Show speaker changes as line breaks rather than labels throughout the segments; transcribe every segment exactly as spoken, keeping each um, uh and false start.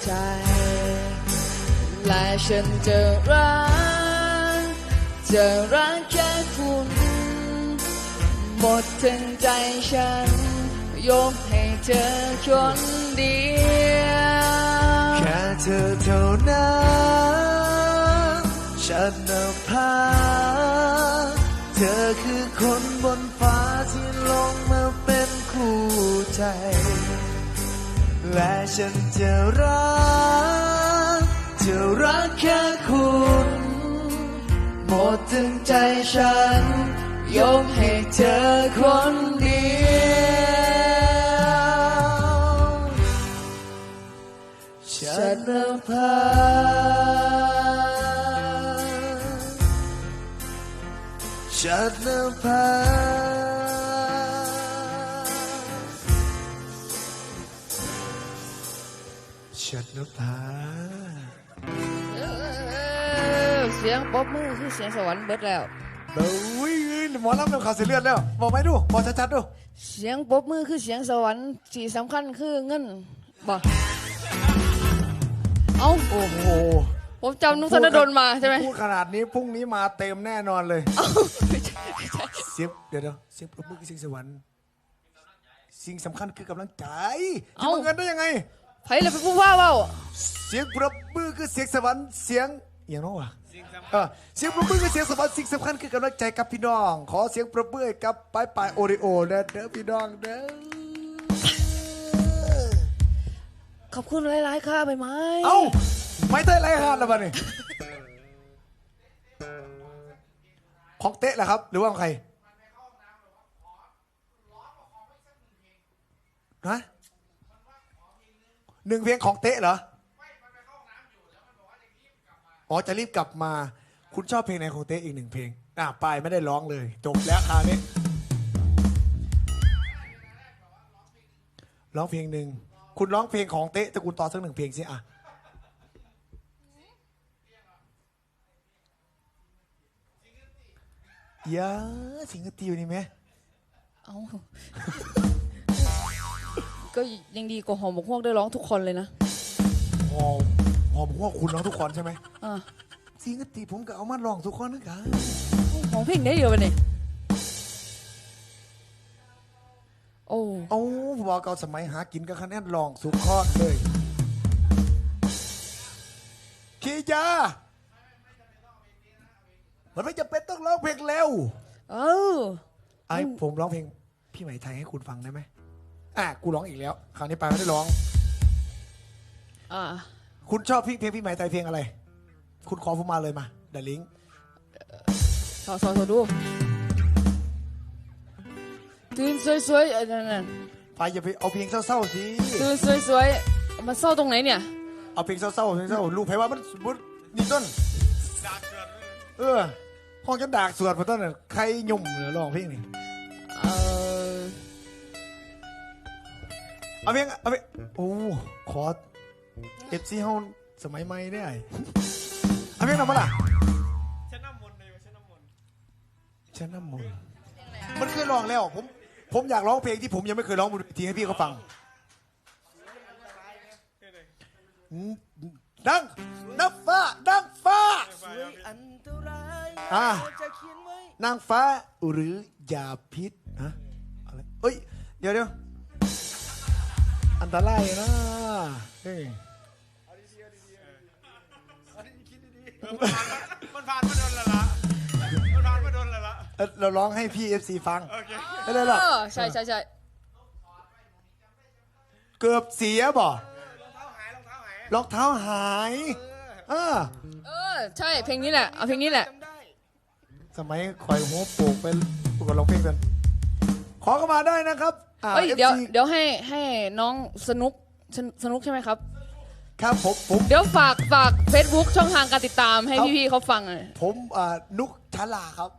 ใจและฉันจะรักจะรักแค่คุณหมดทั้งใจฉันยกให้เธอคนเดียว
แค่เธอเท่านั้นฉันนภาเธอคือคนบนฟ้าที่ลงมาเป็นคู่ใจและฉันจะรักจะรักแค่คุณหมดทั้งใจฉันยกให้เธอคนเดียวฉันนภาฉันนภาฉันนภา
เสียงปรบมือคือเสียงสวรรค์เบิดแล้ว
เฮ้ยหมอลำเริ่มข่าวเสียเลือดแล้วบอกไหมดูบอกชัดๆดู
เสียงปรบมือคือเสียงสวรรค์ที่สำคัญคือเงินบอกเอ้า
โอ้โห
ผมจำนุกธนดลมาใช่ไหม
พูดขนาดนี้พรุ่งนี้มาเต็มแน่นอนเลยเสียงเดี๋ยวเสียงปรบมือคือเสียงสวรรค์สิ่งสำคัญคือกำลังใจจะมาเงินได้ยังไง
ไผ่เลยเป็นผู้ว่าเปล่า
เสียงปรบมือคือเสียงสวรรค์เสียงอย่างน้อวะเสียงปรบมือคือเสียงสวรรค์สิ่งสำคัญคือกำลังใจกับพี่น้องขอเสียงปรบมือกับปลายปลายโอริโอเด้อเด้อพี่น้องเด้อ
ขอบคุณหลายๆค่ะใบไม้
เอ้าไม่ได้ไรฮานแล้วบ้านี่ของเตะแหละครับหรือว่าของใครฮะหนึ่งเพลงของเตะเหรออ๋อจะรีบกลับมาคุณชอบเพลงไหนของเตะอีกหนึ่งเพลงอ่ะปายไม่ได้ร้องเลยจบแล้วคราวนี้ร้องเพลงหนึ่งคุณร้องเพลงของเตะตะกูลต่อสักหนึ่งเพลงสิอ่ะยาสิงคโปร์นี่ไหม
เอาก็ยังดีกว่าหอมหมกฮวกได้ร้องทุกคนเลยนะ
หอมหอมพวกคุณร้องทุกคนใช่ไหม
อ่า
สิงคโปร์ผมก็เอามาร้องทุกคนนะครับ
ของเพลงได้เดียวกันนี่โอ้
โอ้บอกเก่าสมัยหากินกับคะแนนร้องสุดคอดเลยคียามันไม่จำเป็นต้องร้องเพลงเร็ว
เออ
ไอ้ผมร้องเพลงพี่ไหมไทยให้คุณฟังได้ไหมอ่ะกูร้องอีกแล้วคราวนี้ไปไม่ได้ร้อง
อ่า
คุณชอบเพลงพี่ไหมไทยเพลงอะไรคุณขอผมมาเลยมาเดลิง
สอสอสอดูตื่นสวยๆอันนั้น
ไปอย่าไปเอาเพลงเศร้าๆสิ
ตื่นสวยๆมันเศร้าตรงไหนเนี่ย
เอาเพลงเศร้าๆเพลงเศร้าลูกไพว่ามันมันนี่ต้นเออห้องจะดากสวดมาต้นใครยุ่มหรือร้องเพลงนี่
เออ
เอาเพลงเอาเพลงโอ้ขอเอฟซีเฮาสมัยใหม่ได้เอาเพลงนำมาล่ะฉันน้ำมนต์เลยฉันน้ำมนต์ฉันน้ำมนต์มันเคยร้องแล้วผมผมอยากร้องเพลงที่ผมยังไม่เคยร้องบนเวทีให้พี่เขาฟังดังนางฟ้านางฟ้าอ่านางฟ้าหรือยาพิษฮะอะไรเอ้ยเดี๋ยวเดี๋ยวอันตรายนะเฮ้ย
มันผ่านมาโดนละละมันผ่านมาโดนละละ
เราร้องให้พี่เอฟซีฟังไม่ได้หรอ
ใช่ใช่ใช่
เกือบเสียบ่รองเท้าหายเออ
เออใช่เพลงนี้แหละเอาเพลงนี้แหละ
สมัยคอยหัวโปกไปประกวดร้องเพลงกันขอเข้ามาได้นะครับ
เฮ้ยเดี๋ยวเดี๋ยวให้ให้น้องสนุกสนุกใช่ไหมครับ
ครับผมผม
เดี๋ยวฝากฝาก Facebook ช่องทางการติดตามให้พี่ๆเขาฟังหน่อย
ผมอ่านุกชลาครับ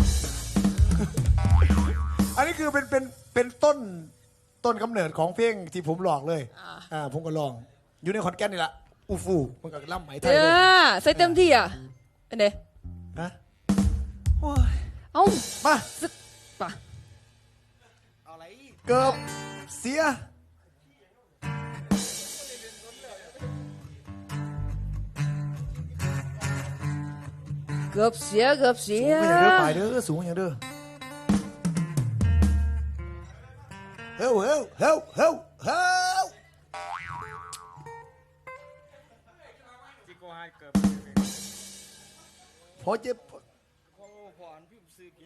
อันนี้คือเป็นเป็นเป็นต้นต้นกำเนิดของเพลงที่ผมหลอกเลยอ่าผมก็ลองอยู่ในคอนแกนนี่แหละอูฟูมันก็ล่ำไหมไทยเลย
ใส่เต็มที่อ่ะเป็นไง
ฮะ
เอ้า
มา
สึกป่ะ
เกือบเสีย
เกือบเสียเกือบเสี
สู
ย
งอย่างเด้อไปเด้อสูงอย่างเด้อเฮ้ยเฮ้ยเฮ้ยเฮ้ยเฮ้ย
จิโก้ให้เกือบ
พอเจ็บ
โอ้ผ่อนพี่ซื้อกิน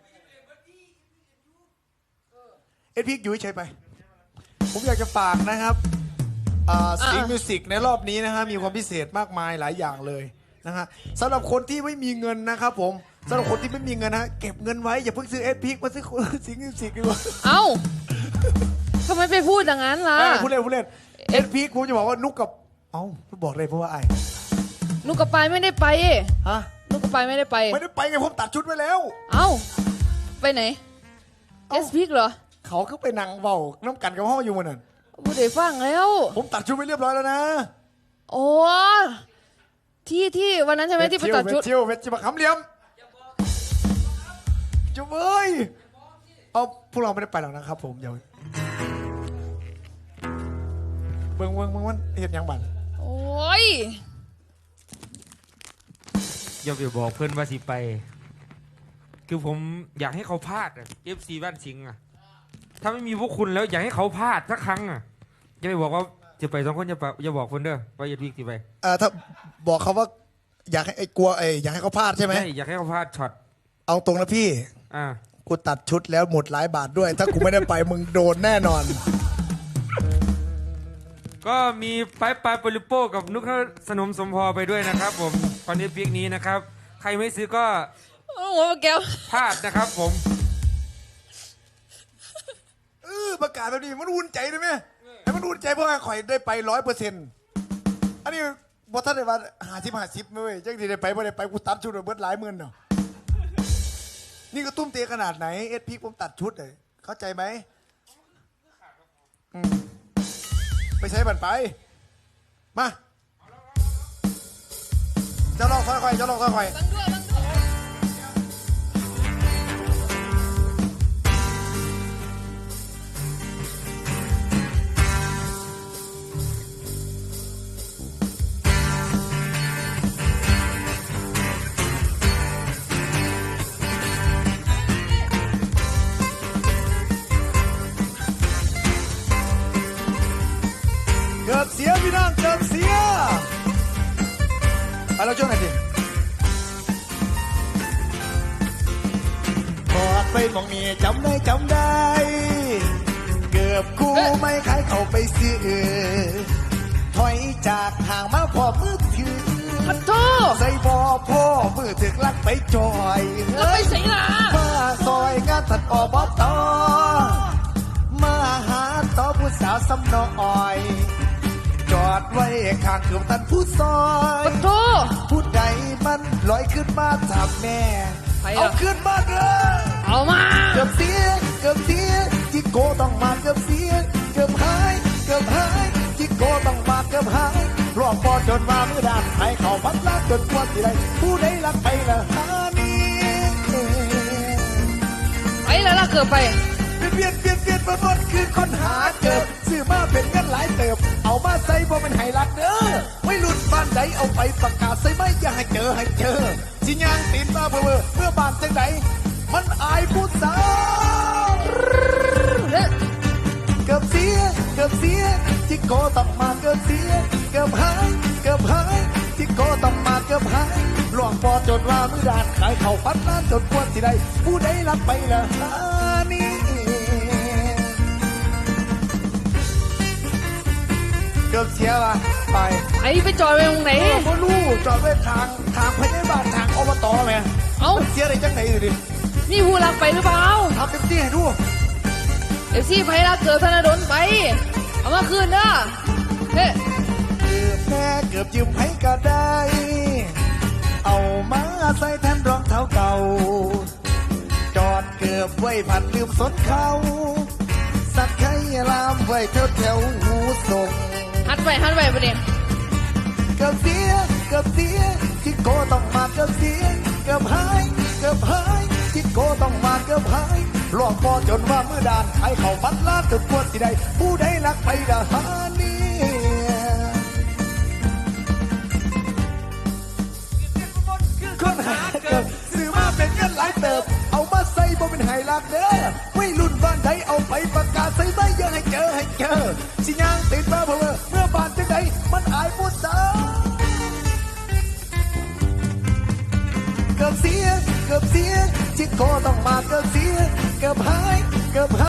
เอ็ดพิกอยู่เฉยไป ผมอยากจะฝากนะครับสิงห์มิวสิกในรอบนี้นะฮะมีความพิเศษมากมายหลายอย่างเลยนะฮะสำหรับคนที่ไม่มีเงินนะครับผมสำหรับคนที่ไม่มีเงินนะเก็บเงินไว้อย่าเพิ่งซื้อเอ็ดพิกมาซื้อสิงห์มิวสิกดีกว่า
เอ้าทำไมไปพูดอย่างนั้นล่ะ
เออผู้เล่นผู้เล่นเอ็ดพิกผมจะบอกว่านุกกับเอ้าบอกเลยเพราะว่าไอ้
นุกกระปายไม่ได้ไป
ฮะ
นุกกระปายไม่ได้ไป
ไม่ได้ไปไงผมตัดชุดไว้แล้ว
เอ้าไปไหนเอสพิกเหรอ
เขาก็ไปนั่งเบาน้ำกันกับห้องอยู่มันนั่น
บูเดฟังแล้ว
ผมตัดชุดไว้เรียบร้อยแล้วนะ
โอ้ที่ที่วันนั้นใช่ไหมที่ไปตัดชุด
เที่ยวเวทจิบะคำเหลี่ยมจุ๊บเอ้ยเอาพวกเราไม่ได้ไปหรอกนะครับผมเดี๋ยวเบิ่งเบิ่งเบิ่งมันเห็นยังบัน
โอ้ย
อย่าไปบอกเพื่อนว่าสิไป คือผมอยากให้เขาพลาดเอฟซีบ้านสิงห์อะถ้าไม่มีพวกคุณแล้วอยากให้เขาพลาดสักครั้งอะอย่าไปบอกว่าจะไปสองคนอย่าไปอย่าบอกคนเด้อว่าอย่าพิกสิไป
เอ่อถ้าบอกเขาว่าอยากให้ไอ้กลัวไอ้อยากให้เขาพลาดใช่ไหม
ใช่อยากให้เขาพลาดช็อต
เอาตรงนะพี่
อ่า
กูตัดชุดแล้วหมดหลายบาทด้วย ถ้ากูไม่ได้ไปมึงโดนแน่นอน
ก็มีไปไปโปลิโป้กับนุกสนมสมพอไปด้วยนะครับ ผมคอนเทนต์พิกนี้นะครับ ใครไม่ซื้อก็
โอ้โหแก้ว
พลาดนะครับผม
เออประกาศแบบนี้มันอุ่นใจได้ไหมให้มันอุ่นใจเพราะว่าข่อยได้ไปร้อยเปอร์เซ็นต์อันนี้บอท่านได้ว่าหาสิบหาสิบไม่เว้ยจังที่ได้ไปไม่ได้ไปกูตัดชุดเบิดหลายหมื่นเนาะนี่ก็ตุ้มเตะขนาดไหนเอ็ดพีผมตัดชุดเลยเข้าใจไหมอืมไปใช้บันไปมาเจ้าลองค่อยๆเจ้าลองค่อยๆ เกือบเสียพี่น้องเกือบเสียไปเราช่วยหน่อยสิบอกไปมองนี่จำได้จำได้ เกือบกูไม่ขายเข้าไปซื้อถอยจากห่างมาพอมือถือ
ปัดโท
ใส่บ่อพ่อมือถึกลักไปจอย
แล้วไปใส่ล่ะ
มาซอยงานตัดอบตมาหาต่อผู้สาวสำนอย จอดไว้ข้างเกือบตันผู้ซอย
ปัดโท
ผู้ใดมันลอยขึ้นมาถามแม่
ใครอะ
เอาขึ้นมาเด้อ
เอามา
เกือบเสียเกือบเสียจิโกต้องมาเกือบเสียเกือบหายเกือบหายจิโกต้องมาเกือบหายรอบพอจนมาเมื่อดานให้เขาพัดลากจนกว่าสิไรผู้ใดรักไปละหานี้
ไปแล้วล่ะเกือบไป
เปลี่ยนเปลี่ยนเปลี่ยนเปลี่ยนหมดคือคนหาเกิบซื้อมาเป็นเงินหลายเติบเอามาใส่บ่เป็นไห้รักเด้อไม่หลุดบ้านใดเอาไปประกาศใส่ไม่อย่าให้เจอให้เจอสิยางตีนมาเบื่อเมื่อบ้านจังใดมันอายผู้สาวเกือบเสียเกือบเสียที่โกต้องมาเกือบเสียเกือบหายเกือบหายที่โกต้องมาเกือบหายหลวงปอจนว่ามือดานขายเข่าพัดล้านจนปวดสิใดผู้ใดรับไปละหานี้เกือบเสียว่ะไป
ไอ้ไปจอดไว้ตรงไหน
เออบ่รู้จอดไว้ทางทางพยาบาลทางอบตแม่
เอ้า
เสียอะไรจังไหนดูดิ
นี่ผู้รักไปหรือเปล่า
ทำเต็มที่ให้ดู
เอฟซีไพรักเกิดธนดลไป เอามาคืนเด้อเฮ้
เกือบแม่เกือบยืมให้ก็ได้ เอามาใส่แทนรองเท้าเก่า จอดเกือบไว้ผัดลืมสนเขาสักไข่ลามไว้แถวแถวหูส่ง
หัดไปหัดไปประเดี๋ยว
เกือบเสียเกือบเสียที่โกต้องมาเกือบเสียเกือบหายเกือบหายที่โกต้องมาเกือบหายหลอกพอจนว่ามือดานให้เขาพัดลาดจนปวดสิใดผู้ใดรักไปดาหานี้คนหาเกือบหลายเติบเอามาใส่บ่เป็นไห้ลักเด้อไม่รุ่นบ้านใดเอาไปประกาศใส่ใส่เยอะให้เจอให้เจอสิย่างติดมาเพอเมื่อบ้านจังใดมันอายผู้สาวเกือบเสียเกือบเสียที่คอต้องมาเกือบเสียเกือบหายเกือบหาย